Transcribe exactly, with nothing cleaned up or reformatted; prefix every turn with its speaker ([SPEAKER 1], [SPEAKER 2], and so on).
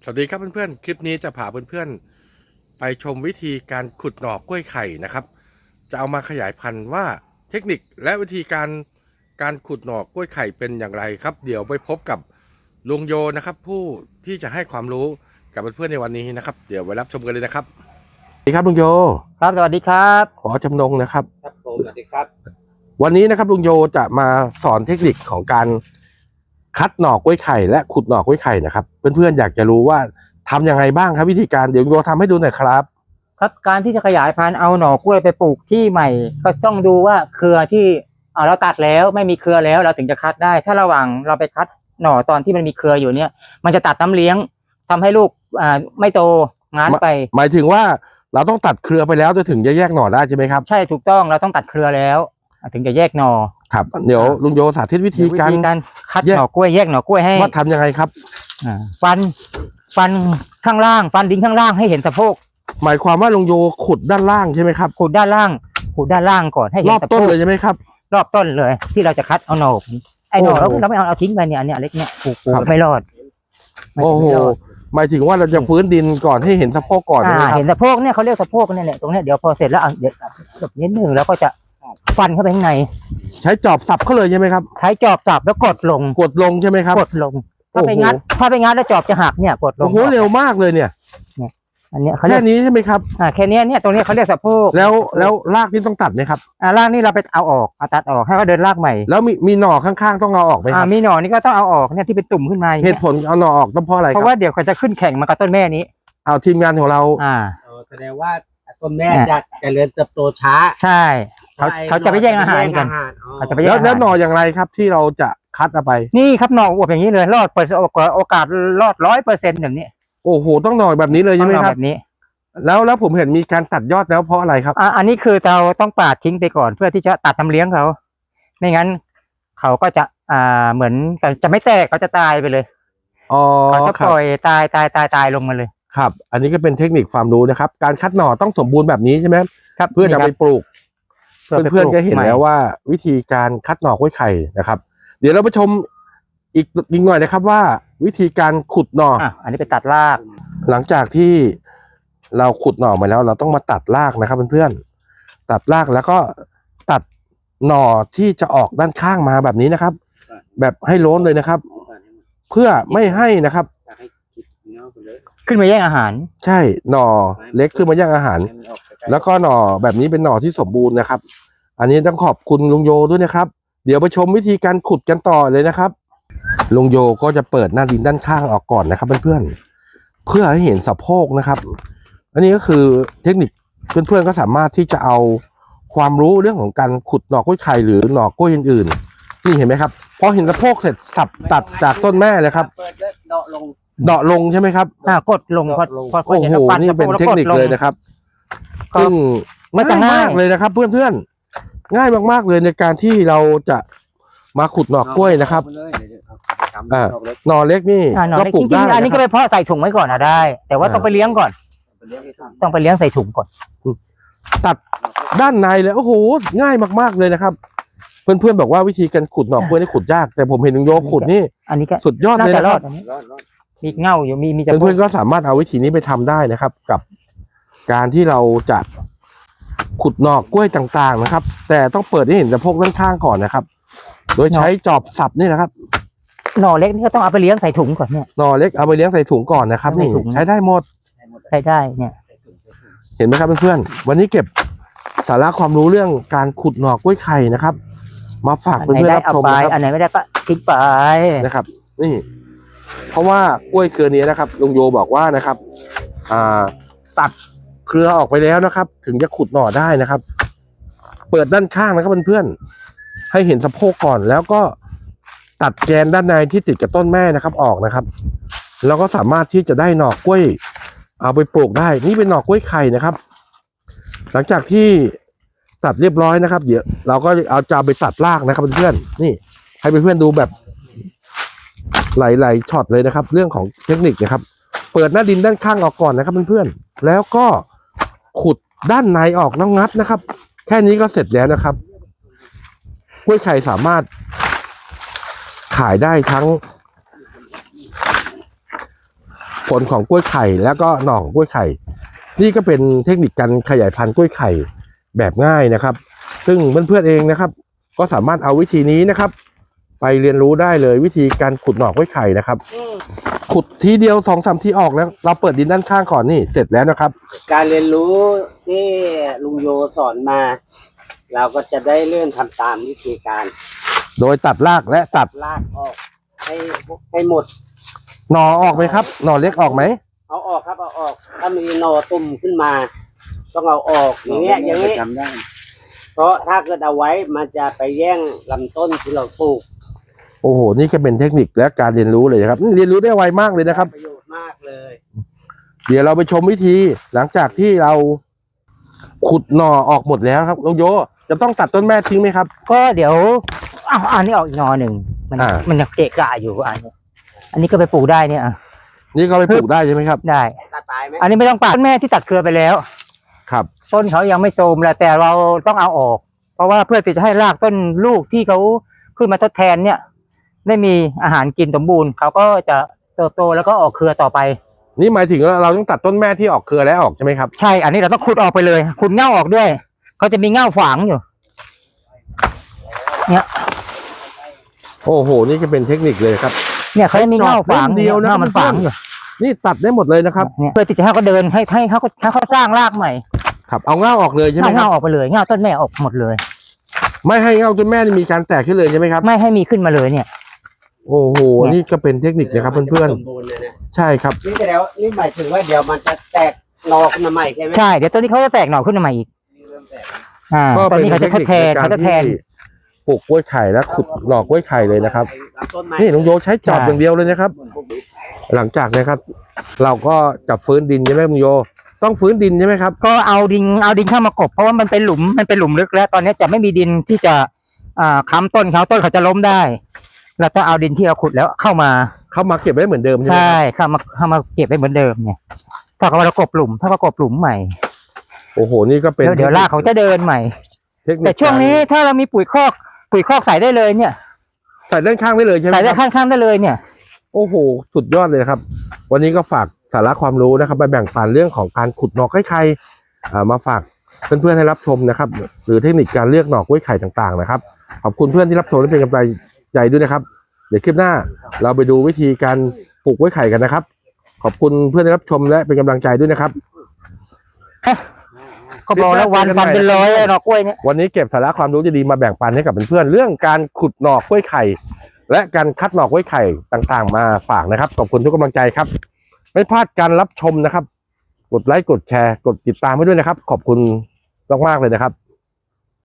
[SPEAKER 1] วัสดีครับเพื่อนๆคลิปนี้จะพาเพื่อนๆไปชมวิธีการขุดหน่อกล้วยไข่นะครับจะเอามาขยายพันธุ์ว่าเทคนิคและวิธีการการขุดหน่อกล้วยไข่เป็นอย่างไรครับเดี๋ยวไปพบกับลุงโยนะครับผู้ที่จะให้ความรู้กับเพื่อนๆในวันนี้นะครับเดี๋ยวไปรับชมกันเลยนะครับสวัสดีครับลุงโย
[SPEAKER 2] ครับสวัสดีครับ
[SPEAKER 1] ขอจำนงนะครับ
[SPEAKER 2] ครับผมสวัสดีครับ
[SPEAKER 1] วันนี้นะครับลุงโยจะมาสอนเทคนิคของการคัดหน่อกล้วยไข่และขุดหน่อกล้วยไข่นะครับเพื่อนๆอยากจะรู้ว่าทำยังไงบ้างครับวิธีการเดี๋ยวลุงโยทำให้ดูหน่อยครับ
[SPEAKER 2] ครับการที่จะขยายพันธุ์เอาหน่อกล้วยไปปลูกที่ใหม่ก็ต้องดูว่าเครือที่อ่าเราตัดแล้วไม่มีเครือแล้วเราถึงจะคัดได้ถ้าระหว่างเราไปคัดหน่อตอนที่มันมีเครืออยู่เนี่ยมันจะตัดน้ำเลี้ยงทำให้ลูกอ่าไม่โตงานไป
[SPEAKER 1] หมายถึงว่าเราต้องตัดเครือไปแล้วจะถึงจะแยกหน่อได้ใช่ไหมครับ
[SPEAKER 2] ใช่ถูกต้องเราต้องตัดเครือแล้วถึงจะแยกหน่อ
[SPEAKER 1] ครับเดี๋ยวลุงโยสาธิตวิธีการ
[SPEAKER 2] การคัดหน่อกล้วยแยกหน่อกล้วยให้
[SPEAKER 1] ว่าทำยังไงครับ
[SPEAKER 2] ฟันฟันข้างล่างฟันดิ้งข้างล่างให้เห็นสะโพก
[SPEAKER 1] หมายความว่าลุงโยขุดด้านล่างใช่ไหมครับ
[SPEAKER 2] ขุดด้านล่างขุดด้านล่างก่อนให้เห็น
[SPEAKER 1] รอบต้นเลยใช่ไหมครับ
[SPEAKER 2] รอบต้นเลยที่เราจะคัดเอาหน่อไอ้หน่อเราเราไม่เอาเอาทิ้งไปเนี่ยอันเนี้ยเล็กเนี่ยปลูกปลูกไม่รอด
[SPEAKER 1] โอ้โหหมายถึงว่าเราจะฟื้นดินก่อนให้เห็นสะโพกก่อนนะครับ
[SPEAKER 2] เห็นสะโพกเนี่ยเขาเรียกสะโพกเนี่ยตรงเนี้ยเดี๋ยวพอเสร็จแล้วเดี๋ยวจบนิดหนึ่งแล้วก็จะฟันเข้าไปข้างใน
[SPEAKER 1] ใช้จอบสับเขาเลยใช่ไหมครับ
[SPEAKER 2] ใช้จอบสับแล้วกดลง
[SPEAKER 1] กดลงใช่ไหมครับ
[SPEAKER 2] กดลงถ้าไปงัดถ้าไปงัดแล้วจอบจะหักเนี่ยกดลง
[SPEAKER 1] โอ้โหเร็วมากเลยเนี่ย
[SPEAKER 2] อันนี้
[SPEAKER 1] แค่นี้ใช่ไหมครับ
[SPEAKER 2] อ่าแค่นี้เนี่ยตรงนี้เขาเรียกสะโพก
[SPEAKER 1] แล้วแล้วรากนี่ต้องตัดไหมครับ
[SPEAKER 2] อ่ารากนี่เราไปเอาออกเอาตัดออกให้เขาเดินรากใหม่
[SPEAKER 1] แล้วมีมีหน่อข้างๆต้องเอาออกไหมครับ
[SPEAKER 2] อ่ามีหน่อนี่ก็ต้องเอาออกเนี่ยที่เป็นตุ่มขึ้นมา
[SPEAKER 1] เหตุผลเอาหน่อออกต้องเพราะอะไรครับ
[SPEAKER 2] เพราะว่าเดี๋ยวเขาจะขึ้นแข่งมากับต้นแม่นี้
[SPEAKER 1] เอาทีมงานของเรา
[SPEAKER 2] อ่า
[SPEAKER 3] แสดงว่าต้นแม่จะเจริญเติบโตช้า
[SPEAKER 2] ใช่เขาเขาจะไปแย่งอาหารกัน
[SPEAKER 1] เขาจะไปแล้วแล้วหน่ออย่างไรครับที่เราจะคัดเอาไป
[SPEAKER 2] นี่ครับหน่ออวบอย่างนี้เลยรอดเปิดโอกาสรอดร้อยเปอร์เซ็นต์อย่างนี้
[SPEAKER 1] โอ้โหต้องหน่อแบบนี้เลยใช่ไหมครับ
[SPEAKER 2] แบบนี้
[SPEAKER 1] แล้วแล้วผมเห็นมีการตัดยอดแล้วเพราะอะไรครับ
[SPEAKER 2] อ่าอันนี้คือเราต้องปาดทิ้งไปก่อนเพื่อที่จะตัดน้ำเลี้ยงเขาไม่งั้นเขาก็จะอ่าเหมือนจะไม่แตกเขาจะตายไปเลย
[SPEAKER 1] อ๋อ
[SPEAKER 2] เขาจะปล่อยตายตายตายตายลงมาเลย
[SPEAKER 1] ครับอันนี้ก็เป็นเทคนิคความรู้นะครับการคัดหน่อต้องสมบูรณ์แบบนี้ใช่ไหม
[SPEAKER 2] ครับ
[SPEAKER 1] เพื่อจะไปปลูกเพื่อนๆจะเห็นแล้วว่าวิธีการคัดหน่อกล้วยไข่นะครับเดี๋ยวเราไปชมอีกนิดหน่อยนะครับว่าวิธีการขุดหน่อ
[SPEAKER 2] อันนี้ไปตัดราก
[SPEAKER 1] หลังจากที่เราขุดหน่อมาแล้วเราต้องมาตัดรากนะครับเพื่อนๆตัดรากแล้วก็ตัดหน่อที่จะออกด้านข้างมาแบบนี้นะครับแบบให้โล้นเลยนะครับเพื่อไม่ให้นะครับ
[SPEAKER 2] ขึ้นมาแย่งอาหาร
[SPEAKER 1] ใช่หน่อเล็กขึ้นมาแย่งอาหารแล้วก็หน่อแบบนี้เป็นหน่อที่สมบูรณ์นะครับอันนี้ต้องขอบคุณลุงโยด้วยนะครับเดี๋ยวไปชมวิธีการขุดกันต่อเลยนะครับลุงโยก็จะเปิดหน้าดินด้านข้างออกก่อนนะครับเพื่อนๆเพื่อให้เห็นสะโพกนะครับอันนี้ก็คือเทคนิคเพื่อนๆก็สามารถที่จะเอาความรู้เรื่องของการขุดหน่อกล้วยไข่หรือหน่อกล้วยอื่นๆนี่เห็นไหมครับพอเห็นสะโพกเสร็จสับตัดจากต้นแม่เลยครับ
[SPEAKER 3] เดาะลง
[SPEAKER 1] เดาะลงใช่ไหมครับ
[SPEAKER 2] อ่ากดลงพอพอ
[SPEAKER 1] โอ้โหนี่เป็นเทคนิคเลยนะครับซึ่งง่ายมากเลยนะครับเพื่อนๆง่ายมากๆเลยในการที่เราจะมาขุดหน่อกล้วยนะครับอ่าหน่อเล็กนี่ก็ปลูกได้
[SPEAKER 2] อันนี้ก็ไปเพาะใส่ถุงไว้ก่อนนะได้แต่ว่าต้องไปเลี้ยงก่อนต้องไปเลี้ยงใส่ถุงก่อน
[SPEAKER 1] ตัดด้านในเลยโอ้โหง่ายมากๆเลยนะครับเพื่อนๆบอกว่าวิธีการขุดหน่อกล้วยนี่ขุดยากแต่ผมเห็นลุงโยขุดนี่
[SPEAKER 2] อันนี้ก็
[SPEAKER 1] สุดยอดเลยนะครับ
[SPEAKER 2] มีเง่าอยู่มีมี
[SPEAKER 1] เพื่อนๆก็สามารถเอาวิธีนี้ไปทำได้นะครับกับการที่เราจะขุดหน่อกล้วยต่างๆนะครับแต่ต้องเปิดให้เห็นสะโพกด้านข้างก่อนนะครับโดยใช้จอบสับนี่นะครับ
[SPEAKER 2] หน่อเล็กนี่ก็ต้องเอาไปเลี้ยงใส่ถุงก่อนเนี่ย
[SPEAKER 1] หน่อเล็กเอาไปเลี้ยงใส่ถุงก่อนนะครับนี่ใช้ได้หมด
[SPEAKER 2] ใช้ได้เนี่ย
[SPEAKER 1] เห็นไหมครับเพื่อนๆวันนี้เก็บสาระความรู้เรื่องการขุดหน่อกล้วยไข่นะครับมาฝากเพื่อนๆรับชมนะครับ
[SPEAKER 2] อันไหนไม่ได้ก็ทิ้งไป
[SPEAKER 1] นะครับนี่เพราะว่ากล้วยเครือนี้นะครับลุงโยบอกว่านะครับอ่าตัดเครือออกไปแล้วนะครับถึงจะขุดหน่อได้นะครับเปิดด้านข้างนะครับเพื่อนๆให้เห็นสะโพกก่อนแล้วก็ตัดแกนด้านในที่ติดกับต้นแม่นะครับออกนะครับแล้วก็สามารถที่จะได้หน่อกล้วยเอาไปปลูกได้นี่เป็นหน่อกล้วยไข่นะครับหลังจากที่ตัดเรียบร้อยนะครับเดี๋ยวเราก็เอาจะไปตัดรากนะครับเพื่อนๆนี่ให้เพื่อนๆดูแบบหลายๆช็อตเลยนะครับเรื่องของเทคนิคนะครับเปิดหน้าดินด้านข้างออกก่อนนะครับเพื่อนๆแล้วก็ขุดด้านในออกแล้วงัดนะครับแค่นี้ก็เสร็จแล้วนะครับกล้วยไข่สามารถขายได้ทั้งผลของกล้วยไข่แล้วก็หน่อของกล้วยไข่นี่ก็เป็นเทคนิคการขยายพันธุ์กล้วยไข่แบบง่ายนะครับ ซึ่งเพื่อนๆเองนะครับ ก็สามารถเอาวิธีนี้นะครับ ไปเรียนรู้ได้เลยวิธีการขุดหน่อกล้วยไข่นะครับ ขุดทีเดียวสองสามทีออกแล้วเราเปิดดินด้านข้างก่อนนี่เสร็จแล้วนะครับ
[SPEAKER 3] การเรียนรู้ที่ลุงโยสอนมา เราก็จะได้เริ่มทำตามวิธีการ
[SPEAKER 1] โดยตัดรากและตัด
[SPEAKER 3] ลากออกให้ให้หมด
[SPEAKER 1] หน่อออกไหมครับหน่อเล็กออกไหม
[SPEAKER 3] เอาออกครับเอาออก ถ้ามีหนอตุ่มขึ้นมา ต้องเอาออกอย่างเงี้ยอย่างนี้เพราะถ้าเกิดเอาไว้มันจะไปแย่งลำต้นที่เราปลูก
[SPEAKER 1] โอ้โหนี่ก็เป็นเทคนิคและการเรียนรู้เลยนะครับนี่เรียนรู้ได้ไวมากเลยนะครับ
[SPEAKER 3] ประโยชน์มากเลย
[SPEAKER 1] เดี๋ยวเราไปชมวิธีหลังจากที่เราขุดหน่อออกหมดแล้วครับลุงโยจะต้องตัดต้นแม่ทิ้งไหมครับ
[SPEAKER 2] ก็เดี๋ยวอ้าวอันนี้ออกอีกหนอหนึ่งมัน
[SPEAKER 1] อ่า
[SPEAKER 2] มันยังเกะกะอยู่อันนี้อันนี้ก็ไปปลูกได้เนี่ยอ่ะ
[SPEAKER 1] นี่ก็ไปปลูกได้ใช่ไหมครับ
[SPEAKER 2] ได้
[SPEAKER 3] ตัดตายไหม
[SPEAKER 2] อันนี้ไม่ต้องปัดต้นแม่ที่ตัดเครือไปแล้ว
[SPEAKER 1] ครับ
[SPEAKER 2] ต้นเขายังไม่โทรมแล้วแต่เราต้องเอาออก เพราะว่าเพื่อที่จะให้รากต้นลูกที่เขาขึ้นมาทดแทนเนี่ย ได้มีอาหารกินสมบูรณ์เขาก็จะเติบโตแล้วก็ออกเครือต่อไป
[SPEAKER 1] นี่หมายถึงเราต้องตัดต้นแม่ที่ออกเครือแล้วออกใช่ไหมครับ
[SPEAKER 2] ใช่ อันนี้เราต้องขุดออกไปเลยขุดเง่าออกด้วยเขาจะมีเง่าฝังอยู่ เนี่ย
[SPEAKER 1] โอ้โหนี่ก็เป็นเทคนิคเลยครับ
[SPEAKER 2] เนี่ยเขาจะมีเง่าฝัง
[SPEAKER 1] เจาะเล่มเดียวนะ
[SPEAKER 2] เง่ามันฝังอยู่
[SPEAKER 1] นี่ตัดได้หมดเลยนะครับ
[SPEAKER 2] เนี่ยเพื่อที่จะให้เขาเดินให้ให้เขาให้เขาสร้างรากใหม่
[SPEAKER 1] ครับเอาเง่าออกเลยใช่ไหม
[SPEAKER 2] เอา
[SPEAKER 1] ครั
[SPEAKER 2] เง่า
[SPEAKER 1] บ
[SPEAKER 2] ออกไปเลยเง่าต้นแม่ออกหมดเลย
[SPEAKER 1] ไม่ให้เง่าต้นแม่นี่มีการแตกขึ้นเลยใช่ไหมครับ
[SPEAKER 2] ไม่ให้มีขึ้นมาเลยเนี่ย
[SPEAKER 1] โอ้โหนี่ก็เป็นเทคนิคนะครับเพื่อน
[SPEAKER 3] สมบูรณ์เลยนะ
[SPEAKER 1] ๆใช่ครับ
[SPEAKER 3] นี่แล้วนี่หมายถึงว่าเดี๋ยวมันจะแตกหนอขึ้นมาใหม่ใช่ไหม
[SPEAKER 2] ใช่เดี๋ยวต้นนี้เขาจะแตกหน่อขึ้นมาใหม่อีก
[SPEAKER 3] เริ่มแตก
[SPEAKER 2] อ่า
[SPEAKER 1] ก็
[SPEAKER 2] ตอน
[SPEAKER 1] เป็น
[SPEAKER 2] นี้เขา
[SPEAKER 1] เท
[SPEAKER 2] จะ
[SPEAKER 1] ค
[SPEAKER 2] ท
[SPEAKER 1] นิ
[SPEAKER 2] ด
[SPEAKER 1] ค
[SPEAKER 2] แทน
[SPEAKER 1] ในกา
[SPEAKER 2] เขา
[SPEAKER 1] ร
[SPEAKER 2] จะแท
[SPEAKER 1] ที่
[SPEAKER 2] น
[SPEAKER 1] ปลูกกล้วยไข่และขุดหน่อกล้วยไข่เลยนะครับ
[SPEAKER 3] ลำต้นไม้
[SPEAKER 1] นี่ลุงโยใช้จอบอย่างเดียวเลยนะครับ หลังจากนะครับ เราก็จับฟื้นดินใช่ไหมลุงโย ต้องฟื้นดินใช่ไหมครับ
[SPEAKER 2] ก็เอาดินเอาดินเข้ามากบเพราะว่ามันเป็นหลุมมันเป็นหลุมลึกแล้ว ตอนนี้จะไม่มีดินที่จะอ่าค้ำต้นเขาต้นเขาจะล้มได้เราต้องเอาดินที่เราขุดแล้วเข้ามา
[SPEAKER 1] เข้ามาเก็บไว้เหมือนเดิมใช่ไหม
[SPEAKER 2] ใช่
[SPEAKER 1] ครับ
[SPEAKER 2] เข้ามาเข้ามาเก็บไว้เหมือนเดิมเนี่ยถ้าเขาเรากบหลุมถ้าเรากบหลุมใหม่
[SPEAKER 1] โอ้โหนี่ก็เป็น
[SPEAKER 2] เดี๋ยวเดี๋ยวรากเขาจะเดินใหม่
[SPEAKER 1] เทคนิค
[SPEAKER 2] แต่ช่วงนี้ถ้าเรามีปุ๋ยคอกปุ๋ยคอกใส่ได้เลยเนี่ย
[SPEAKER 1] ใส่ด้านข้างได้เลยใช่ไหม
[SPEAKER 2] ใส่ได้
[SPEAKER 1] ครับ
[SPEAKER 2] ข้างๆได้เลยเนี่ย
[SPEAKER 1] โอ้โหสุดยอดเลยนะครับ วันนี้ก็ฝากสาระความรู้นะครับไปแบ่งปันเรื่องของการขุดหน่อกล้วยไข่อ่ามาฝากเพื่อนๆให้รับชมนะครับ หรือเทคนิคการเลือกหน่อกล้วยไข่ต่างๆนะครับขอบคุณเพื่อนที่รับชมและเป็นกำลังใจด้วยนะครับ เดี๋ยวคลิปหน้าเราไปดูวิธีการปลูกกล้วยไข่กันนะครับ ขอบคุณเพื่อนที่รับชมและเป็นกำลังใจด้วยนะครับ
[SPEAKER 2] ก็บอกแล้ววันวันเป็นร้อยเลยหน่อกล้วยเนี่ย
[SPEAKER 1] วันนี้เก็บสาระความรู้ดีๆมาแบ่งปันให้กับเพื่อนๆเรื่องการขุดหน่อกล้วยไข่ และการคัดหน่อกล้วยไข่ต่างๆ มาฝากนะครับขอบคุณทุกกำลังใจครับ ไม่พลาดการรับชมนะครับ กดไลค์กดแชร์ กดติดตามให้ด้วยนะครับ ขอบคุณมากๆเลยนะครับ